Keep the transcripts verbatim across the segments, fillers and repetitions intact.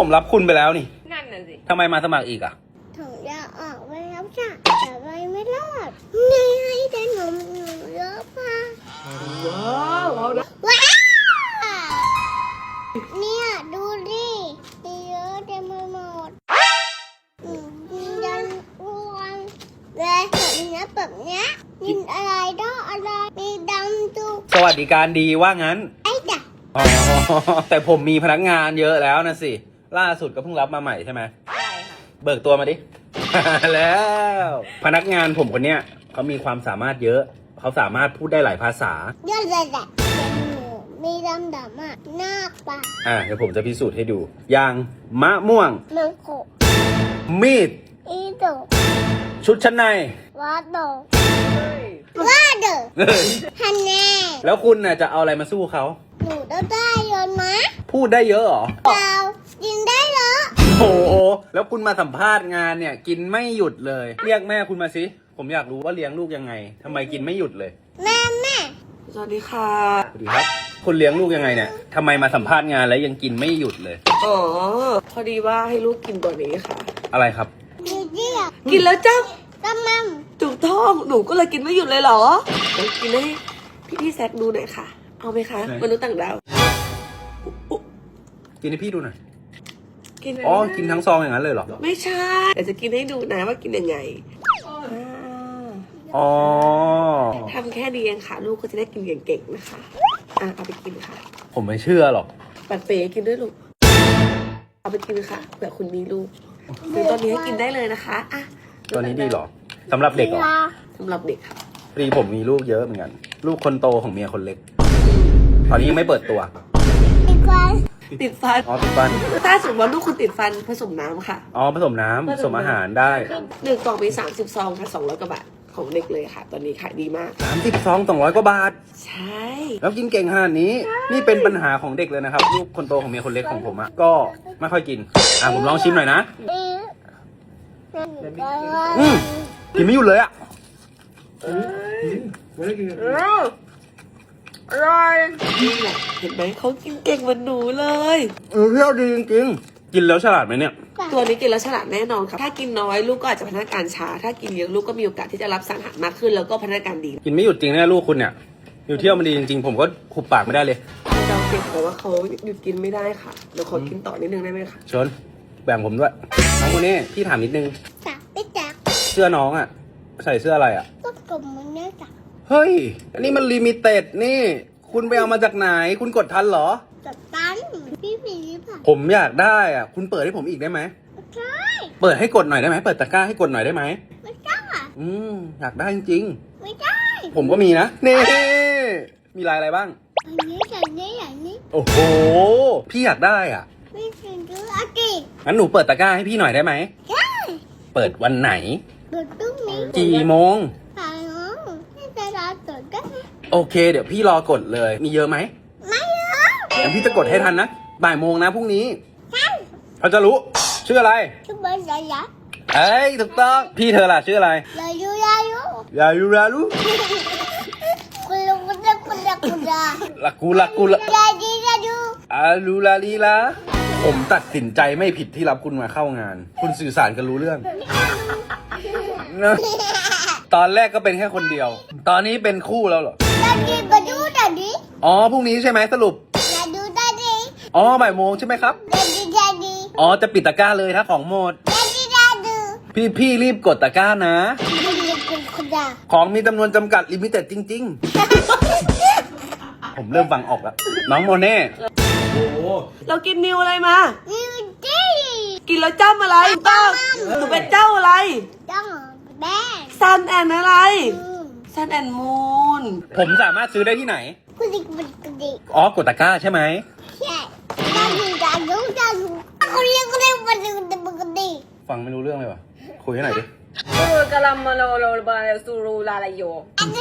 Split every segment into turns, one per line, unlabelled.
ผมรับคุณไปแล้วนี่
นั่นน่ะสิ
ทำไมมาสมัครอีกอ่ะ
ถุงยาออกไปแล้วจ้ะแต่ไปไม่รอดนี่ให้ได้หนมหนูเยอะค่ะ
ว้าวเอาละ
ว้าวเนี่ยดูดิมีเยอะเต็มไปหมดกินยันอ้วนเลยแบบนี้แบบเนี้ยกินอะไรต้องอะไรมีดำจุก
สวัสดิการดีว่างั้น
ไอ้จ้ะ
อ๋อแต่ผมมีพนักงานเยอะแล้วนะสิล่าสุดก็เพิ่งรับมาใหม่ใช่ไหม
ใช่ค่ะ
เบิกตัวมาดิ แล้วพนักงานผมคนเนี้ยเขามีความสามารถเยอะเขาสามารถพูดได้หลายภาษา
เยอะเลยแหละมีดำดำอ่ะหน้าปะ
อ่ะเดี๋ยวผมจะพิสูจน์ให้ดูอย่างมะม่วง
มังโค
มีด
อีโด
ชุดชั้นใน
วาโดว่าเด้อฮันแน่
แล้วคุณน่ะจะเอาอะไรมาสู้เขา
หนูได้เยอะนะ
พูดได้เยอะเหรอ
เปล่ากินได้เหรอ
โอ้โหแล้วคุณมาสัมภาษณ์งานเนี่ยกินไม่หยุดเลยเรียกแม่คุณมาสิผมอยากรู้ว่าเลี้ยงลูกยังไงทำไมกินไม่หยุดเลย
แม่แม่
สวัสดีค่ะ
สวัสดีครับคุณเลี้ยงลูกยังไงเนี่ยทำไมมาสัมภาษณ์งานแล้วยังกินไม่หยุดเลย
อ๋อพอดีว่าให้ลูกกินตัวนี้ค่ะ
อะไรครับ
กินเยอะ
กินแล้วจ้า
กำมัง
ถูกต้องหนูก็เลยกินไม่หยุดเลยเหรอเดี๋ยวกินให้พี่พี่แซคดูหน่อยค่ะเอาไหมคะมนุษย์ต่างดาว
กินให้พี่ดูหน่อย
กิน
อ๋อกินทั้งซองอย่างนั้นเลยเหรอ
ไม่ใช่เดี๋ยวจะกินให้ดูนะว่ากินยังไง
อ๋อ
ทำแค่นี้เองค่ะลูกก็จะได้กินเก่งๆนะคะอ่ะเอาไปกินค่ะ
ผมไม่เชื่อหรอก
ปัดเป๋กินด้วยลูกเอาไปกินค่ะเผื่อคุณมีลูกคือตอนนี้ให้กินได้เลยนะคะอ่ะ
ตัวนี้ดีหรอสำหรับเด็กเหรอ
สำหรับเด็กค่ะ
พอดีผมมีลูกเยอะเหมือนกันลูกคนโตของเมียคนเล็กตอนนี้ยังไม่เปิดตัว
ติดฟัน
ติดฟัน
อ๋อติดฟัน
ถ้าสมมติว่าลูกคุณติดฟันผสมน้ำค่ะ
อ๋อผสมน้ำผสมอาหารได้
หนึ่งกล่องมีสามสิบซองค่ะสองร้อยกว่าบาทของเด็กเลยค่ะตอนนี้ขายดีมาก
สามสิบซองสองร้อยกว่าบาท
ใช่
แล้วกินเก่งขนาดนี้นี่เป็นปัญหาของเด็กเลยนะครับลูกคนโตของเมียคนเล็กของผมอ่ะก็ไม่ค่อยกินอ่ะผมลองชิมหน่อยนะอืมกินไม่หยุดเลยอ่ะ
อร่อยเห็นไหมเขากินเก่งเหมือนหนูเลย
เออเที่ยวดีจริงๆกินแล้วฉลาดไหมเนี่ย
ตัวนี้กินแล้วฉลาดแน่นอนค่ะถ้ากินน้อยลูกก็อาจจะพัฒนาการช้าถ้ากินเยอะลูกก็มีโอกาสที่จะรับสารอาหารมากขึ้นแล้วก็พัฒนาการดี
กินไม่หยุดจริงนะลูกคุณเนี่ยอยู่เที่ยวมันดีจริงๆผมก็ขุบปากไม่ได้เลย
เราเก็บแต่ว่าเขาหยุดกินไม่ได้ค่ะเดี๋ยวขอกินต่อนิดนึงได้ไหมคะ
ชนแบ่งผมด้วยน้องคนนี้พี่ถามนิดนึง
จับไม่จับ
เสื้อน้องอ่ะใส่เสื้ออะไรอ่ะ
ก็กลมมันเนี่ยจับ
เฮ้ยอันนี้มันลิมิเต็ดนี่คุณไปเอามาจากไหนคุณกดทันเหรอ
จับตันพี่ผีผ่า
ผมอยากได้อ่ะคุณเปิดให้ผมอีกได้ไหม
ใช่
เปิดให้กดหน่อยได้ไหมเปิดตะกร้าให้กดหน่อยได้ไหม
ไม่ได้
อืมอยากได้จริง
ไม่ได้
ผมก็มีนะนี่มีลายอะไรบ้าง
อันนี้อย่างนี้อย่างนี้
โอ้โหพี่อยากได้อ่ะ
ไม่ถึงดูอากิ
งั้นหนูเปิดตะกร้าให้พี่หน่อยได้ไหม
ได้
เปิดวันไหน
เปิดพรุ่งนี้
กี่โมง
สายน้องให้จะรอตรวจได้
โอเคเดี๋ยวพี่รอกดเลยมีเยอะไหม
ไม่เยอะ
งั้นพี่จะกดให้ทันนะบ่ายโมงนะพรุ่งนี้
ใช่
เขาจะรู้ชื่ออะไร
ชื่อเบอร์ยายะ
เอ้ยถูกต้องพี่เธอล่ะชื่ออะไร
ยายูยายู
ยายูราลู
คุณลุงคุณเด็กคุณเด็กคุณเด็ก
ลักกูลักกูลัก
ยาดียาดู
อาลูลาลีลาผมตัดสินใจไม่ผิดที่รับคุณมาเข้างานคุณสื่อสารกันรู้เรื่องนะตอนแรกก็เป็นแค่คนเดียวตอนนี้เป็นคู่แล้วเหรอ
ดาดีมาดูดาดี
อ๋อพรุ่งนี้ใช่ไหมสรุป
ดาดูดาดี
อ๋อบ่ายโมงใช่ไหมครับ
ดาดีดาดี
อ๋อจะปิดตะกร้าเลยถ้าของหมด
ดาดีดาดู
พี่พี่รีบกดตะกร้านะของมีจำนวนจำกัดลิมิเต็ดจริงๆผมเริ่มฟังออกแล้วน้องโมเน่โอ้
เรากินนิวอะไรมา
นิวจี้
กินแล้วจ้ำอะไรบ้างหนูเป็นเจ้าอะไร
จ้าแม่
ซันแอนอะไรซันแอนมูน
ผมสามารถซื้อได้ที่ไหน
กุดิกุดิกุดิ
อ๋อกดตะกร้าใช่ไหม
ใช่ดาดูดาดูดาดูกุดิกุดิกุดิกุดิกุดิ
ฟังไม่รู้เรื่องเลยวะคุยให้หน่อยดิ
กะลามาโลโลบาสูรูลาลาโย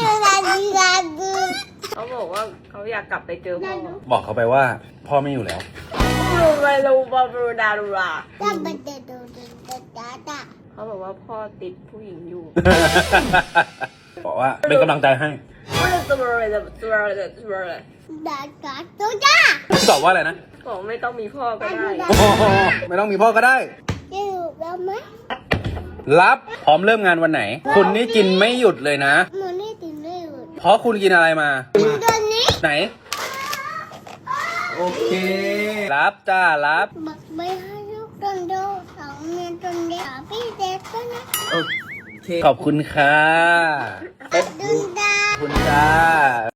เขาบอกว่าเขาอยากกลับไปเจอพ่อ
บอกเขาไปว่าพ่อไม่อยู่แล้ว
รูไปรูบารูดารูราเขาบอกว่าพ่อติดผู้หญิงอยู่
บอกว่าเป็นกำลังใจให้
ดาดาโตจ้า
ตอบว่าอะไรนะ
บอกไม่ต้องมีพ่อก็ได้
โอ้โหไม่ต้องมีพ่อก็ได้
จะอยู่แล้วไหม
รับพร้อมเริ่มงานวันไหน คุณนี่กินไม่หยุดเลยนะ
มันไม่ติดไม่หยุด
เพราะคุณกินอะไรมา
กินตัวนี้
ไหน โอเค รับจ้ารับ
บักใบให้ลูกตนโดสองเมียตนเดียวพี่เด็กก็นะ
โอเค ขอบคุณค่ะ
ดึงดา
ขอบคุณจ้า